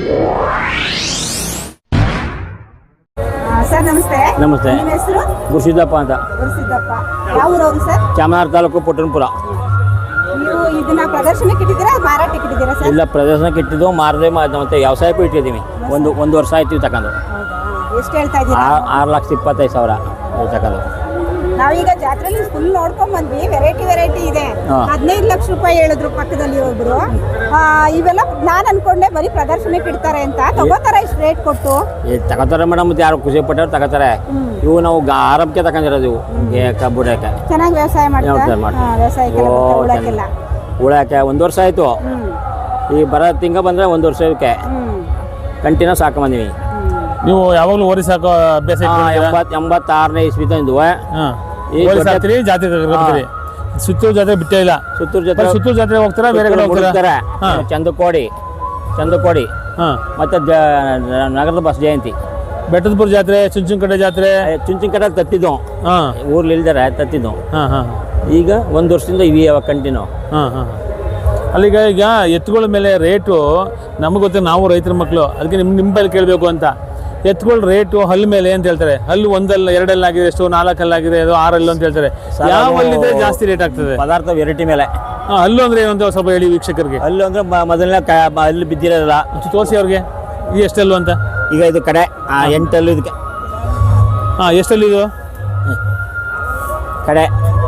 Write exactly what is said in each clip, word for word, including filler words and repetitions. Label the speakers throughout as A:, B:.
A: Sir ನಮಸ್ತೆ.
B: ನಮಸ್ತೆ.
A: ನಿಮ್ಮ ಹೆಸರು?
B: ಗುರುಸಿದ್ದಪ್ಪ ಅಂತ.
A: ಗುರುಸಿದ್ದಪ್ಪ. ಯಾವ ಊರವರು ಸರ್?
B: ಚಾಮರಾಜ ತಾಲೂಕು ಪುಟ್ಟಣಪುರ.
A: ನೀವು ಇದನ್ನ ಪ್ರದರ್ಶನಕ್ಕೆ ಇಟ್ಟಿದ್ದೀರಾ ಮಾರಾಟಕ್ಕೆ ಇಟ್ಟಿದ್ದೀರಾ ಸರ್?
B: ಇಲ್ಲ, ಪ್ರದರ್ಶನಕ್ಕೆ ಇಟ್ಟಿದ್ದು ಮಾರದೆ ಮತ್ತೆ ವ್ಯವಸಾಯಕ್ಕೂ ಇಟ್ಟಿದ್ದೀವಿ. ಒಂದು ಒಂದು ವರ್ಷ ಆಯ್ತು ತಗೊಂಡು.
A: ಎಷ್ಟು ಹೇಳ್ತಾ ಇದ್ದೀರಾ?
B: ಆರು ಲಕ್ಷ ಇಪ್ಪತ್ತೈದು ಸಾವಿರ ತಗೊಂಡು.
A: ನಾವೀಗ ಜಾತ್ರೆಲಿ ಫುಲ್ ನೋಡ್ಕೊಂಡ್ ಬಂದ್ವಿ. ವೆರೈಟಿ ವೆರೈಟಿ ಇದೆ. ಹದಿನೈದು ಲಕ್ಷ ರೂಪಾಯಿ ಹೇಳಿದ್ರು ಪಕ್ಕದಲ್ಲಿ ಒಬ್ರು. ಇವೆಲ್ಲ ನಾನ್ ಅನ್ಕೊಂಡೆ ಬರೀ ಪ್ರದರ್ಶನಕ್ಕೆ ಇಡ್ತಾರೆ ಅಂತ. ತಗೋತಾರ ಇಷ್ಟು ರೇಟ್ ಕೊಟ್ಟು?
B: ತಗೋತಾರೆ ಮೇಡಮ್, ಮತ್ತೆ ಯಾರು ಖುಷಿ ಪಟ್ಟವ್ರು ತಗೋತಾರೆ. ಇವು ನಾವು ಆರಂಭಕ್ಕೆ ತಗೊಂಡಿರೋದು. ಇವು ಬುಡಕ್ಕೆ
A: ಚೆನ್ನಾಗಿ ವ್ಯವಸಾಯ ಮಾಡ್ತಾರೆ.
B: ಉಳಕ್ಕೆ ಒಂದು ವರ್ಷ ಆಯ್ತು. ಈ ಬರೋ ತಿಂಗ ಬಂದ್ರೆ ಒಂದು ವರ್ಷಕ್ಕೆ ಕಂಟಿನ್ಯೂಸ್ ಹಾಕೊಂಬಂದಿವಿ.
C: ನೀವು ಯಾವಾಗಲೂ ಓರಿ ಸಾಕೋ ಅಭ್ಯಾಸ?
B: ಎಂಬತ್ ಎಂಬತ್ತಾರನೇ ಇಸ್ವಿ ತಂದು
C: ಜಾತ್ರೆ ಸುತ್ತೂರು ಜಾತ್ರೆ ಬಿಟ್ಟೇ ಇಲ್ಲ.
B: ಸುತ್ತೂರು ಜಾತ್ರೆ
C: ಸುತ್ತೂರು ಜಾತ್ರೆ ಹೋಗ್ತಾರ, ಬೇರೆ ಕಡೆ ಹೋಗ್ತಾರೆ.
B: ಚಂದಕೋಡಿ ಚಂದಕೋಡಿ ಮತ್ತೆ ನಗರದ ಬಸ್ ಜಯಂತಿ,
C: ಬೆಟ್ಟದಪುರ ಜಾತ್ರೆ, ಚುಂಚನಕಟ್ಟೆ ಜಾತ್ರೆ.
B: ಚುಂಚನಕಟ್ಟೆ ತತ್ತಿದ್ದು ಊರ್ಲಿ ಇಲ್ದಾರೆ ತತ್ತಿದ್ದು. ಈಗ ಒಂದು ವರ್ಷದಿಂದ ಇವಿ ಯಾವಾಗ ಕಂಟಿನ್ಯೂ.
C: ಅಲ್ಲಿಗ ಈಗ ಎತ್ತುಗಳ ಮೇಲೆ ರೇಟು ನಮಗೆ ಗೊತ್ತ, ನಾವು ರೈತರ ಮಕ್ಕಳು, ಅದಕ್ಕೆ ನಿಮ್ಮ ನಿಮ್ಮ ಬಳಿ ಕೇಳಬೇಕು ಅಂತ. ಎತ್ತುಗಳ ರೇಟು ಹಲ್ಲು ಮೇಲೆ ಅಂತ ಹೇಳ್ತಾರೆ. ಹಲ್ಲು ಒಂದಲ್ಲ ಎರಡಲ್ಲ ಆಗಿದೆ, ಎಷ್ಟು ನಾಲ್ಕಲ್ಲಾಗಿದೆ, ಅದು ಆರಲ್ಲು ಅಂತ ಹೇಳ್ತಾರೆ. ಯಾವ ಹಲ್ಲಿದ್ರೆ ಜಾಸ್ತಿ ರೇಟ್ ಆಗ್ತದೆ?
B: ಪದಾರ್ಥ ವೆರೈಟಿ ಮೇಲೆ.
C: ಹಾಂ, ಹಲ್ಲು ಅಂದ್ರೆ ಏನು ಅಂತ ಸ್ವಲ್ಪ ಹೇಳಿ ವೀಕ್ಷಕರಿಗೆ.
B: ಹಲ್ಲು ಅಂದ್ರೆ ಮೊದಲನೇ ಹಲ್ಲು ಬಿದ್ದಿರೋಲ್ಲ.
C: ತೋರಿಸಿ ಅವ್ರಿಗೆ. ಈ ಎಷ್ಟಲ್ಲು ಅಂತ?
B: ಈಗ ಇದು ಕಡೆ ಎಂಟಲ್ಲು ಇದಕ್ಕೆ.
C: ಹಾಂ, ಎಷ್ಟಲ್ಲಿ ಇದು
B: ಕಡೆ?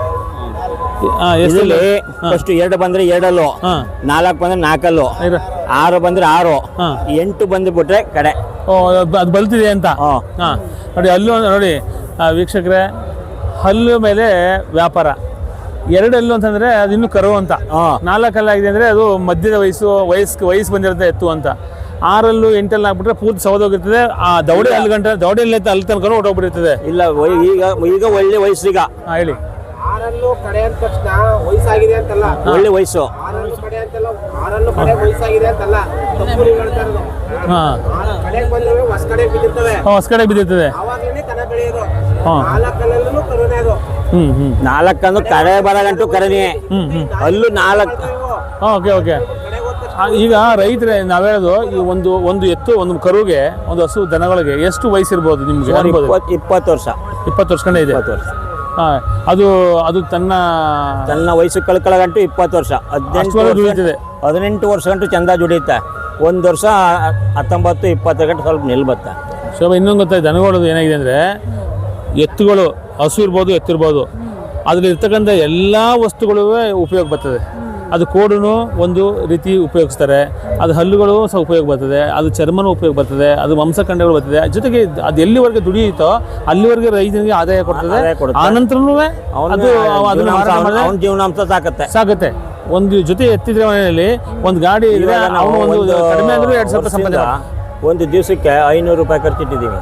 B: ಫಸ್ಟ್ ಎರಡು ಬಂದ್ರೆ ಎರಡಲ್ಲು, ನಾಲ್ಕು ಬಂದ್ರೆ ನಾಲ್ಕಲ್ಲು, ಆರು ಬಂದ್ರೆ ಆರು, ಎಂಟು ಬಂದು ಬಿಟ್ರೆ ಕಡೆ.
C: ಅದು ಬಲ್ತಿದೆ ಅಂತ. ಹಾಂ, ನೋಡಿ ಹಲ್ಲು ನೋಡಿ ವೀಕ್ಷಕರೇ, ಹಲ್ಲು ಮೇಲೆ ವ್ಯಾಪಾರ. ಎರಡಲ್ಲು ಅಂತಂದ್ರೆ ಅದು ಇನ್ನೂ ಕರು ಅಂತ. ನಾಲ್ಕಲ್ಲಾಗಿದೆ ಅಂದ್ರೆ ಅದು ಮಧ್ಯದ ವಯಸ್ಸು ವಯಸ್ಸು ವಯಸ್ಸು ಬಂದಿರುತ್ತೆ ಎತ್ತು ಅಂತ. ಆರಲ್ಲೂ ಎಂಟಲ್ಲಿ ಹಾಕ್ಬಿಟ್ರೆ ಪೂರ್ತಿ ಸೌದೋಗಿರ್ತದೆ. ಆ ದೌಡೆ ಅಲ್ಲಿ ಗಂಟೆ ದೌಡೆ ಅಲ್ಲಿ ತನಕ ಹೊಟ್ಟೋಗ್ಬಿಟ್ಟಿರ್ತದೆ.
B: ಇಲ್ಲ, ಈಗ ಈಗ ಒಳ್ಳೆ ವಯಸ್ಸು. ಈಗ
C: ಹೇಳಿ.
D: ಆರಲ್ಲೂ ಕಡೆ ಅಂದ ತಕ್ಷಣ ವಯಸ್ಸಾಗಿದೆ ಅಂತಲ್ಲ,
B: ಒಳ್ಳೆ ವಯಸ್ಸು.
D: ಆರಲ್ಲೂ ಕಡೆ ಅಂತಲ್ಲ, ಆರಲ್ಲೂ ಕಡೆ ವಯಸ್ಸಾಗಿದೆ ಅಂತಲ್ಲ, ತಪ್ಪು ನೀವು ಹೇಳ್ತಾ ಇರೋದು. ಕಡೆಗೆ ಬಂದ್ರೆ ಹೊಸ ಕಡೆಗೆ ಬಿದ್ದಿರ್ತವೆ,
C: ಹೊಸ ಕಡೆಗೆ ಬಿದ್ದಿರ್ತದೆ.
D: ಅವಾಗಲೇ ಕನ ಬೆಳೆಯೋದು. ನಾಲ್ಕಲ್ಲೂ ಕರುನೇ ಅದು.
C: ಹ್ಮ್ ಹ್ಮ್
B: ನಾಲ್ಕಂದು ಕರೆ ಬರಗಂಟು ಕರನೇ. ಅಲ್ಲೂ ನಾಲ್ಕು.
C: Okay okay. ಈಗ ರೈತರೇ ನಾವ್ ಹೇಳೋದು, ಈ ಒಂದು ಒಂದು ಎತ್ತು ಒಂದು ಕರುಗೆ, ಒಂದು ಹಸು ದನಗಳಿಗೆ ಎಷ್ಟು ವಯಸ್ಸಿರ್ಬೋದು ನಿಮ್ಗೆ?
B: ಇಪ್ಪತ್ತು ವರ್ಷ.
C: ಇಪ್ಪತ್ತು ವರ್ಷ ಕಂಡ ಇದೆ.
B: ಇಪ್ಪತ್ತು ವರ್ಷ.
C: ಹಾ, ಅದು ಅದು ತನ್ನ
B: ತನ್ನ ವಯಸ್ಸು ಕಳ್ಕೊಳ್ಳಗಂಟು ಇಪ್ಪತ್ತು ವರ್ಷ. ಹದಿನೆಂಟು
C: ದುಡಿಯುತ್ತದೆ.
B: ಹದಿನೆಂಟು ವರ್ಷ ಗಂಟು ಚಂದ ದುಡಿಯುತ್ತೆ. ಒಂದು ವರ್ಷ ಹತ್ತೊಂಬತ್ತು ಇಪ್ಪತ್ತು ಗಂಟೆ ಸ್ವಲ್ಪ ನಿಲ್ಬತ್ತೆ.
C: ಶೋಭ, ಇನ್ನೊಂದು ಗೊತ್ತಾಯ್ತು ನನಗೋಡೋದು ಏನಾಗಿದೆ ಅಂದರೆ, ಎತ್ತುಗಳು ಹಸು ಇರ್ಬೋದು, ಎತ್ತಿರ್ಬೋದು, ಅದ್ರಲ್ಲಿ ಇರ್ತಕ್ಕಂಥ ಎಲ್ಲ ವಸ್ತುಗಳು ಉಪಯೋಗ ಬರ್ತದೆ. ಅದು ಕೋಡೂ ಒಂದು ರೀತಿ ಉಪಯೋಗಿಸ್ತಾರೆ, ಅದು ಹಲ್ಲುಗಳು ಸಹ ಉಪಯೋಗ ಬರ್ತದೆ, ಅದು ಚರ್ಮನೂ ಉಪಯೋಗ ಬರ್ತದೆ, ಅದು ಮಾಂಸಖಂಡಗಳು ಬರ್ತದೆ. ಜೊತೆಗೆ ಅದು ಎಲ್ಲಿವರೆಗೆ ದುಡಿಯುತ್ತೋ ಅಲ್ಲಿವರೆಗೆ ರೈತನಿಗೆ ಆದಾಯ ಕೊಡ್ತದೆ. ಆ ನಂತರನೂ ಅದು
B: ಅವನ ಜೀವನಾಂಶ ಸಾಕತ್ತೆ
C: ಸಾಕತ್ತೆ ಒಂದು ಜೊತೆ ಎತ್ತಿದ್ರೆ ಮನೆಯಲ್ಲಿ ಒಂದು ಗಾಡಿ ಇದ್ರೆ ಅವನು ಒಂದು ಕಡಿಮೆ ಅಂದ್ರೆ ಎರಡು ಸಾವಿರ ಸಂಪಾದನೆ.
B: ಒಂದು ದಿವಸಕ್ಕೆ ಐನೂರು ರೂಪಾಯಿ ಖರ್ಚಿಟ್ಟಿದ್ದೀವಿ.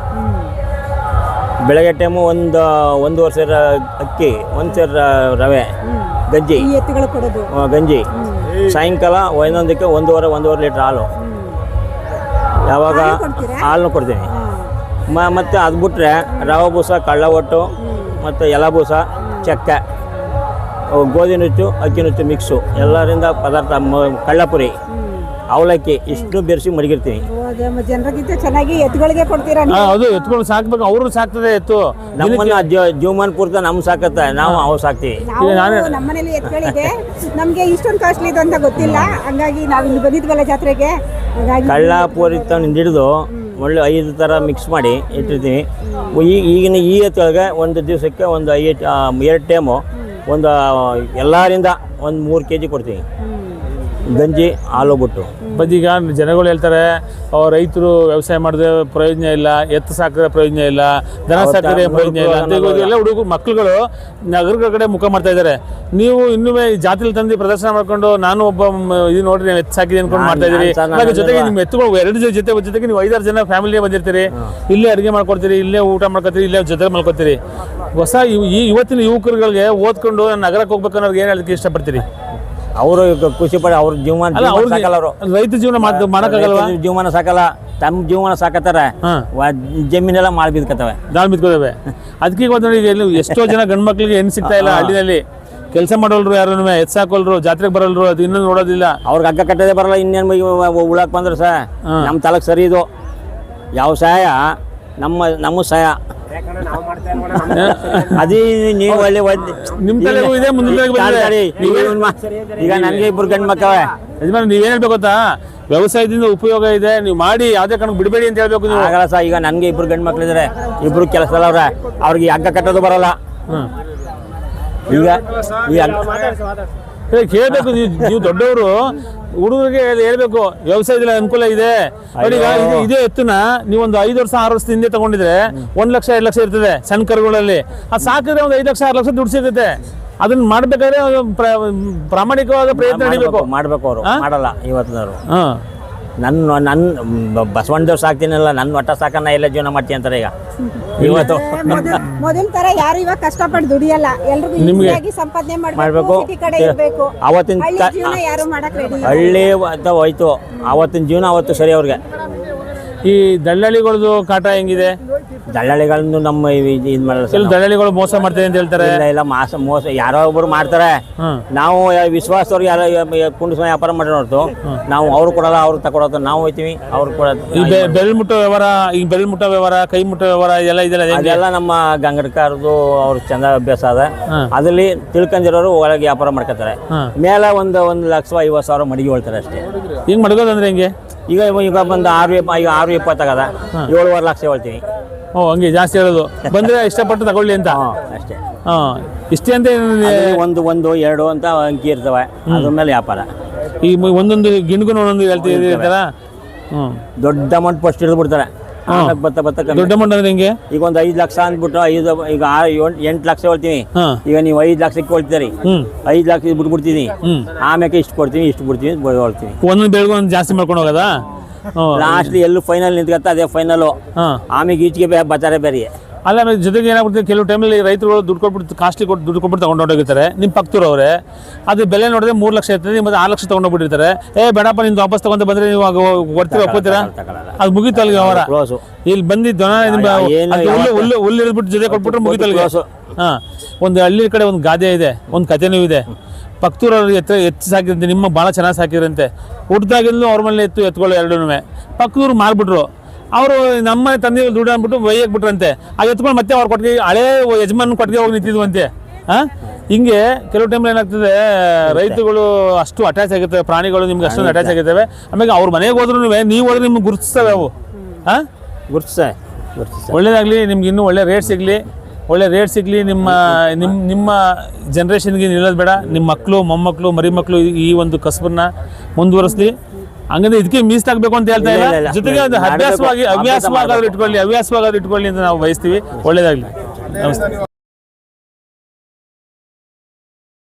B: ಬೆಳಗ್ಗೆ ಟೈಮು ಒಂದು ಒಂದು ವರ್ಷ ಅಕ್ಕಿ, ಒಂದು ಸೇರ ರವೆ, ಗಂಜಿ ಗಂಜಿ ಸಾಯಂಕಾಲ ಒಂದೊಂದಕ್ಕೆ ಒಂದೂವರೆ ಒಂದೂವರೆ ಲೀಟ್ರ್ ಹಾಲು. ಯಾವಾಗ ಹಾಲನ್ನು ಕೊಡ್ತೀನಿ. ಮ ಮತ್ತು ಅದು ಬಿಟ್ಟರೆ ರವೆ ಬೂಸ, ಕಳ್ಳ ಒಟ್ಟು ಮತ್ತು ಎಲೆ ಬೂಸ, ಚಕ್ಕೆ, ಗೋಧಿ ನುಚ್ಚು, ಅಕ್ಕಿ ನುಚ್ಚು ಮಿಕ್ಸು ಎಲ್ಲರಿಂದ ಪದಾರ್ಥ, ಕಳ್ಳಪುರಿ, ಅವಲಕ್ಕಿ ಇಷ್ಟು ಬೆರೆಸಿ ಮಡಗಿರ್ತೀನಿ.
A: ಜನರಿಗಿಂತ ಚೆನ್ನಾಗಿ ಎತ್ತುಗಳಿಗೆ ಕೊಡ್ತೀರಾ?
C: ಅದು ಎತ್ತುಗಳು ಸಾಕ್ಬೇಕು, ಅವರು ಸಾಕ್ತದೆ ಎತ್ತು.
B: ನಮ್ಮನ್ನ ಜೀವಮಾನ ಪೂರ್ತಿ ನಮ್ ಸಾಕತ್ತೆ, ನಾವು ಅವು ಸಾಕ್ತಿವಿ.
A: ನಮ್ಮನೇಲಿ ಎತ್ತುಗಳಿದೆ, ನಮ್ಗೆ ಇಷ್ಟೊಂದು ಕಾಸ್ಟ್ಲಿ ಇದು ಅಂತ ಗೊತ್ತಿಲ್ಲ. ಹಂಗಾಗಿ ನಾವು ಇಲ್ಲಿ ಬಂದಿದ್ವಲ್ಲ ಜಾತ್ರೆಗೆ,
B: ಕಳ್ಳ ಪೂರಿ ತಂದು ಹಿಡಿದು ಒಳ್ಳೆ ಐದು ಥರ ಮಿಕ್ಸ್ ಮಾಡಿ ಇಟ್ಟಿರ್ತೀವಿ. ಈ ಈಗಿನ ಈ ಎತ್ತೊಳಗೆ ಒಂದು ದಿವಸಕ್ಕೆ ಒಂದು ಐದು ಎರಡು ಟೈಮು ಒಂದು ಎಲ್ಲರಿಂದ ಒಂದು ಮೂರು ಕೆ ಜಿ ಕೊಡ್ತೀವಿ ಗಂಜಿ ಹಾಲು ಬಿಟ್ಟು.
C: ಬದೀಗ ಜನಗಳು ಹೇಳ್ತಾರೆ, ರೈತರು ವ್ಯವಸಾಯ ಮಾಡಿದ್ರೆ ಪ್ರಯೋಜನ ಇಲ್ಲ, ಎತ್ತು ಸಾಕಿದ್ರೆ ಪ್ರಯೋಜನ ಇಲ್ಲ, ದನ ಸಾಕಿದ್ರೆ ಪ್ರಯೋಜನ ಇಲ್ಲ ಅಂತ ಎಲ್ಲ ಹುಡುಗ ಮಕ್ಕಳುಗಳು ನಗರಗಳ ಕಡೆ ಮುಖ ಮಾಡ್ತಾ ಇದ್ದಾರೆ. ನೀವು ಇನ್ನೂ ಜಾತ್ರೆ ತಂದು ಪ್ರದರ್ಶನ ಮಾಡ್ಕೊಂಡು, ನಾನು ಒಬ್ಬ ಇದು ನೋಡ್ರಿ ನೀವು ಎತ್ತು ಸಾಕಿದೆ ಅನ್ಕೊಂಡು ಮಾಡ್ತಾ ಇದ್ದೀರಿ. ಜೊತೆಗೆ ನಿಮ್ಮ ಎತ್ತುಗಳು ಎರಡು ಜೊತೆ ಜೊತೆಗೆ ನೀವು ಐದಾರು ಜನ ಫ್ಯಾಮಿಲಿಯೇ ಬಂದಿರ್ತೀರಿ, ಇಲ್ಲೇ ಅಡುಗೆ ಮಾಡ್ಕೊಡ್ತೀರಿ, ಇಲ್ಲೇ ಊಟ ಮಾಡ್ಕೊತೀರಿ, ಇಲ್ಲೇ ಜೊತೆ ಮಲ್ಕೊತೀರಿ. ಹೊಸ ಈ ಇವತ್ತಿನ ಯುವಕರುಗಳಿಗೆ ಓದ್ಕೊಂಡು ನಗರಕ್ಕೆ ಹೋಗ್ಬೇಕು ಅನ್ನೋರ್ಗೆ ಏನು ಹೇಳೋದಕ್ಕೆ ಇಷ್ಟಪಡ್ತೀರಿ?
B: ಅವರು ಖುಷಿ ಪಡ ಅವ್ರ ಜೀವನ ಸಾಕಲ್ಲ. ಅವರು
C: ರೈತ ಜೀವನ ಮಾಡಕ್ಕಾಗಲ್ಲ,
B: ಜೀವನ ಸಾಕಲ್ಲ, ತಮ್ಮ ಜೀವನ ಸಾಕತ್ತಾರೆ. ಜಮೀನೆಲ್ಲ ಮಾಲ್ ಬಿದ್ಕತ್ತವೆ,
C: ದಾಳ್ ಬಿದ್ಕೋತವೆ. ಅದಕ್ಕೆ ಇವತ್ತು ನೋಡಿ ಎಷ್ಟೋ ಜನ ಗಂಡು ಮಕ್ಳಿಗೆ ಹೆಣ್ಣು ಸಿಗ್ತಾ ಇಲ್ಲ ಹಳ್ಳಿನಲ್ಲಿ. ಕೆಲಸ ಮಾಡೋಲ್ರು ಯಾರು ಎತ್ ಸಾಕೋಲ್ರು ಜಾತ್ರೆಗೆ ಬರಲ್ರು ಅದು ಇನ್ನೂ ನೋಡೋದಿಲ್ಲ.
B: ಅವ್ರಿಗೆ ಹಗ್ಗ ಕಟ್ಟೋದೇ ಬರಲ್ಲ, ಇನ್ನೇನು ಉಳಕ್ ಬಂದ್ರೆ ಸಹ ನಮ್ಮ ತಲಕ್ ಸರಿ ಇದು ಯಾವ ಸಹಾಯ ನಮ್ಮ ನಮ್ಮ ಸಹಾಯ
D: ಯಾಕಂದ್ರೆ ನಾವು ಮಾಡ್ತಾ ಇರೋಣ
B: ಅದೇ ನೀವು ಒಳ್ಳೆ
C: ನಿಮ್ಮ ತಲೆಗೂ ಇದೆ ಮುಂದಿನ ತಲೆಗೂ ಬಂದಿದೆ.
B: ಈಗ ನನಗೆ ಇಬ್ರು ಗಂಡು ಮಕ್ಕಳೇ
C: ಯಜಮಾನ ನೀವೇನು ಹೇಳ್ಬೇಕು ಗೊತ್ತಾ, ವ್ಯವಸಾಯದಿಂದ ಉಪಯೋಗ ಇದೆ, ನೀವು ಮಾಡಿ ಯಾವುದೇ ಕಾರಣಕ್ಕೆ ಬಿಡಬೇಡಿ ಅಂತ ಹೇಳ್ಬೇಕು ನೀವು.
B: ಆಗಲ್ಲ ಸಹ. ಈಗ ನನಗೆ ಇಬ್ರು ಗಂಡು ಮಕ್ಳಿದ್ದಾರೆ, ಇಬ್ರು ಕೆಲಸದಲ್ಲ ಅವ್ರೆ, ಅವ್ರಿಗೆ ಹಗ್ಗ ಕಟ್ಟೋದು ಬರಲ್ಲ.
C: ಹ್ಮ್
B: ಈಗ ಈ
C: ಕೇಳಬೇಕು ನೀವು ನೀವು ದೊಡ್ಡವರು ಹುಡುಗರಿಗೆ ಹೇಳ್ಬೇಕು ವ್ಯವಸಾಯದಲ್ಲಿ ಅನುಕೂಲ ಇದೆ. ನೋಡಿ ಈಗ ಇದು ಇದೇ ಎತ್ತುನ ನೀವೊಂದು ಐದು ವರ್ಷ ಆರು ವರ್ಷದ ಹಿಂದೆ ತಗೊಂಡಿದ್ರೆ ಒಂದ್ ಲಕ್ಷ ಎರಡು ಲಕ್ಷ ಇರ್ತದೆ ಸಣ್ಣ ಕರುಗಳಲ್ಲಿ. ಅದು ಸಾಕಿದ್ರೆ ಒಂದು ಐದು ಲಕ್ಷ ಆರು ಲಕ್ಷ ದುಡ್ಡು ಸಿಗುತ್ತೆ. ಅದನ್ನ ಮಾಡ್ಬೇಕಾದ್ರೆ ಪ್ರಾಮಾಣಿಕವಾದ ಪ್ರಯತ್ನ ನಡಿಬೇಕು.
B: ಮಾಡ್ಬೇಕು ಅವರು ಮಾಡಲ್ಲ ಇವತ್ತಿನವರು.
C: ಹಾ
B: ನನ್ನ ನನ್ನ ಬಸವಣ್ಣದೇವ್ರು ಸಾಕ್ತೀನಲ್ಲ, ನನ್ನ ಒಟ್ಟ ಸಾಕನ್ನ ಎಲ್ಲ ಜೀವನ ಮಾಡ್ತೀನಿ ಅಂತಾರೆ ಈಗ ಇವತ್ತು.
A: ಮೊದಲ ತರ ಯಾರು ಇವಾಗ ಕಷ್ಟಪಟ್ಟು ದುಡಿಯಲ್ಲ, ಎಲ್ರಿಗೂ ಈಸಿಯಾಗಿ ಸಂಪಾದನೆ
B: ಮಾಡ್ಬೇಕು.
A: ಸಿಟಿ ಕಡೆ ಇರಬೇಕು.
B: ಅವತ್ತಿನ
A: ಹಳ್ಳಿ ಜೀವನ ಯಾರು ಮಾಡಕ್ ರೆಡಿ ಇಲ್ಲ.
B: ಹಳ್ಳಿ ಅಂತ ಹೋಯ್ತು, ಅವತ್ತಿನ ಜೀವನ ಅವತ್ತು ಸರಿ ಅವ್ರಿಗೆ.
C: ಈ ದಳ್ಳಾಳಿಗಳದ್ದು ಕಾಟ ಹೆಂಗಿದೆ?
B: ದಳ್ಳಾಳಿಗಳನ್ನು ನಮ್ಮ ಇದು ಮಾಡಲ್ಲ ಸರ್.
C: ಕೆಲವು ದಳ್ಳಾಳಿಗಳು ಮೋಸ ಮಾಡ್ತಾರೆ ಅಂತ ಹೇಳ್ತಾರೆ.
B: ಇಲ್ಲ ಇಲ್ಲ ಮಾಸ ಮೋಸ ಯಾರೋ ಒಬ್ರು ಮಾಡ್ತಾರೆ.
C: ಹ್ಮ್
B: ನಾವು ವಿಶ್ವಾಸದವ್ರಿಗೆ ಯಾರೋ ಕುಂಡಿಸ್ ವ್ಯಾಪಾರ ಮಾಡಿರೋ ಹೊರತು ನಾವು ಅವ್ರು ಕೊಡಲ್ಲ, ಅವ್ರು ತಗೊಳೋದು ನಾವು ಹೋಯ್ತೀವಿ, ಅವ್ರು ಕೊಡೋದು.
C: ಈ ಬೆ- ಬೆರಳು ಮುಟ್ಟೋ ವ್ಯವಹಾರ, ಈಗ ಬೆರಳು ಮುಟ್ಟೋ ವ್ಯವಹಾರ, ಕೈ ಮುಟ್ಟೋ ವ್ಯವಹಾರ ಇದೆಲ್ಲ ಇದೆಲ್ಲ ಹೆಂಗೆ?
B: ಅದೆಲ್ಲ ನಮ್ಮ ಗಂಗಡ್ಕಾರದು ಅವ್ರ ಚಂದ ಅಭ್ಯಾಸ ಅದ.
C: ಹ್ಮ್.
B: ಅದ್ರಲ್ಲಿ ತಿಳ್ಕೊಂಡಿರೋರು ಒಳಗೆ ವ್ಯಾಪಾರ ಮಾಡ್ಕೊತಾರೆ.
C: ಹ್ಮ್.
B: ಮೇಲೆ ಒಂದು ಒಂದು ಲಕ್ಷ ಐವತ್ತು ಸಾವಿರ ಮಡಿಗೆ ಹೊಳ್ತಾರೆ ಅಷ್ಟೇ.
C: ಹಿಂಗ್ ಮಡ್ಗೋದಂದ್ರೆ ಹೆಂಗೆ?
B: ಈಗ ಈಗ ಬಂದು ಆರು ಇಪ್ಪ ಈಗ ಆರು ಇಪ್ಪತ್ತಾಗದ ಏಳುವರೆ ಲಕ್ಷ ಹೇಳ್ತೀವಿ.
C: ಓ ಹಂಗೆ ಜಾಸ್ತಿ ಹೇಳೋದು ಬಂದ್ರೆ ಇಷ್ಟಪಟ್ಟು ತಗೊಳ್ಳಿ ಅಂತ.
B: ಹಾಂ ಅಷ್ಟೇ.
C: ಹಾ ಇಷ್ಟೇ ಅಂತ ಏನಿದೆ?
B: ಅದ್ರಲ್ಲಿ ಒಂದು ಒಂದು ಎರಡು ಅಂತ ಅಂಕಿ ಇರ್ತವೆ, ಅದ್ರ ಮೇಲೆ ವ್ಯಾಪಾರ.
C: ಈ ಮ- ಒಂದೊಂದು ಗಿಣ್ಗೂ ಒಂದೊಂದು ಹೇಳ್ತಿರ್ತಾರ. ಹ್ಮ್
B: ದೊಡ್ಡ ಅಮೌಂಟ್ ಫಸ್ಟ್ ಹಿಡಿದು ಬಿಡ್ತಾರೆ. ಆಮೇಲೆ ಬತ್ತ ಬತ್ತ ಕಮ್ಮಿ.
C: ದೊಡ್ಡ ಅಮೌಂಟ್ ಅಂದ್ರೆ ಹೆಂಗೆ?
B: ಈಗ ಒಂದು ಐದು ಲಕ್ಷ ಅಂದ್ಬಿಟ್ಟು ಐದು ಈಗ ಆರು ಏಳು ಎಂಟು ಲಕ್ಷ ಹೇಳ್ತೀವಿ.
C: ಹಾ
B: ಈಗ ನೀವು ಐದು ಲಕ್ಷಕ್ಕೆ ಕೊಡ್ತೀರಿ,
C: ಹ್ಮ್
B: ಐದು ಲಕ್ಷ ಬಿಟ್ಬಿಡ್ತೀನಿ,
C: ಹ್ಮ್
B: ಆಮೇಲೆ ಇಷ್ಟು ಕೊಡ್ತೀವಿ ಇಷ್ಟು ಬಿಡ್ತೀವಿ ಅಂತ ಹೇಳ್ತೀವಿ.
C: ಒಂದೊಂದು ಬೆಳಗ್ಗೆ ಒಂದು ಜಾಸ್ತಿ ಮಾಡ್ಕೊಂಡು ಹೋಗೋದಾ? ಹ್ಮ್
B: ಲಾಸ್ಟ್ಲಿ ಎಲ್ಲೂ ಫೈನಲ್ ನಿಂತ್ಕತ್ತ ಅದೇ ಫೈನಲು.
C: ಹಾ
B: ಆಮೇಲೆ ಈಚೆಗೆ ಬೇ ಬತ್ತಾರೆ ಬೇರೆ.
C: ಅಲ್ಲ ಆಮೇಲೆ ಜೊತೆಗೆ ಏನಾಗ್ಬಿಡುತ್ತೆ, ಕೆಲವು ಟೈಮಲ್ಲಿ ರೈತರು ದುಡ್ಡು ಕೊಟ್ಬಿಟ್ಟು ಕಾಸ್ಟ್ಲಿ ಕೊಟ್ಟು ದುಡ್ಡು ಕೊಟ್ಬಿಟ್ಟು ತಗೊಂಡು ಹೊರಟೋಗಿರ್ತಾರೆ. ನಿಮ್ಮ ಪಕ್ಕದೂರು ಅವರೇ ಅದು ಬೆಲೆ ನೋಡಿದ್ರೆ ಮೂರು ಲಕ್ಷ ಇರ್ತದೆ, ಮತ್ತೆ ಆರು ಲಕ್ಷ ತೊಗೊಂಡೋಗ್ಬಿಟ್ಟಿರ್ತಾರೆ. ಏ ಬೇಡಪ್ಪ ನಿಂದು ವಾಪಸ್ ತಗೊಂಡು ಬಂದರೆ ನೀವು ಕೊಡ್ತೀರ ಒಪ್ಕೋತೀರಾ? ಅದು ಮುಗೀತು ಅಲ್ಲಿಗೆ ಅವರ.
B: ಕ್ಲೋಸು.
C: ಇಲ್ಲಿ ಬಂದಿದ್ದು ನಿಮ್ಮ
B: ಏನು
C: ಅದು ಹುಲ್ಲು ಹುಲ್ಲು ಹುಲ್ಲು ಇಳಿದ್ಬಿಟ್ಟು ಜೊತೆ ಕೊಟ್ಬಿಟ್ರೆ ಮುಗೀತು ಅಲ್ಲಿಗೆ.
B: ಕ್ಲೋಸು.
C: ಹಾಂ ಒಂದು ಹಳ್ಳಿ ಕಡೆ ಒಂದು ಗಾದೆ ಇದೆ, ಒಂದು ಕಥೆನೂ ಇದೆ. ಪಕ್ತೂರವ್ರು ಎತ್ತು ಎತ್ತು ಸಾಕಿರಂತೆ, ನಿಮ್ಮ ಭಾಳ ಚೆನ್ನಾಗಿ ಸಾಕಿರಂತೆ. ಹುಟ್ಟಿದಾಗಿಂದಲೂ ಅವ್ರ ಮೇಲೆ ಎತ್ತು ಎತ್ಕೊಳ್ಳೋ ಎರಡೂ ಪಕ್ಕದೂರು ಮಾರ್ಬಿಟ್ರು. ಅವರು ನಮ್ಮ ತಂದೆ ದುಡ್ಡು ಅಂದ್ಬಿಟ್ಟು ಒಯ್ಯಕ್ಕೆ ಬಿಟ್ರಂತೆ. ಆ ಎತ್ಕೊಂಡು ಮತ್ತೆ ಅವ್ರ ಕೊಟ್ಟಿಗೆ ಹಳೇ ಯಜಮಾನ್ ಕೊಟ್ಟಿಗೆ ಹೋಗಿ ನಿಂತಿದ್ವಂತೆ. ಹಾಂ ಹಿಂಗೆ ಕೆಲವು ಟೈಮ್ ಏನಾಗ್ತದೆ, ರೈತರುಗಳು ಅಷ್ಟು ಅಟ್ಯಾಚ್ ಆಗಿರ್ತವೆ, ಪ್ರಾಣಿಗಳು ನಿಮ್ಗೆ ಅಷ್ಟೊಂದು ಅಟ್ಯಾಚ್ ಆಗಿರ್ತವೆ. ಆಮೇಲೆ ಅವ್ರ ಮನೆಗೆ ಹೋದ್ರೂ ನೀವು ಹೋದ್ರೆ ನಿಮ್ಗೆ ಗುರುತಿಸ್ತವೆ ಅವು. ಹಾಂ
B: ಗುರ್ತಿಸ ಗುರ್ತಿಸ
C: ಒಳ್ಳೇದಾಗಲಿ, ನಿಮ್ಗೆ ಇನ್ನೂ ಒಳ್ಳೆ ರೇಟ್ ಸಿಗಲಿ, ಒಳ್ಳೆ ರೇಟ್ ಸಿಗಲಿ. ನಿಮ್ಮ ನಿಮ್ಮ ನಿಮ್ಮ ಜನ್ರೇಷನ್ಗೆ ನಿಲ್ಲೋದು ಬೇಡ. ನಿಮ್ಮ ಮಕ್ಕಳು ಮೊಮ್ಮಕ್ಕಳು ಮರಿ ಮಕ್ಕಳು ಈ ಒಂದು ಕಸಬನ್ನ ಮುಂದುವರಿಸ್ಲಿ. ಹಂಗಂದ್ರೆ ಇದಕ್ಕೆ ಮೀಸಲಾಗಬೇಕು ಅಂತ ಹೇಳ್ತಾ ಇಲ್ಲ, ಜೊತೆಗೆ ಅದು ಅಭ್ಯಾಸವಾಗಿ ಹವ್ಯಾಸವಾಗಾದ್ರೂ ಇಟ್ಕೊಳ್ಳಿ ಹವ್ಯಾಸವಾಗಾದ್ರೂ ಇಟ್ಕೊಳ್ಳಿ ಅಂತ ನಾವು ಬಯಸ್ತೀವಿ. ಒಳ್ಳೇದಾಗಲಿ. ನಮಸ್ತೆ.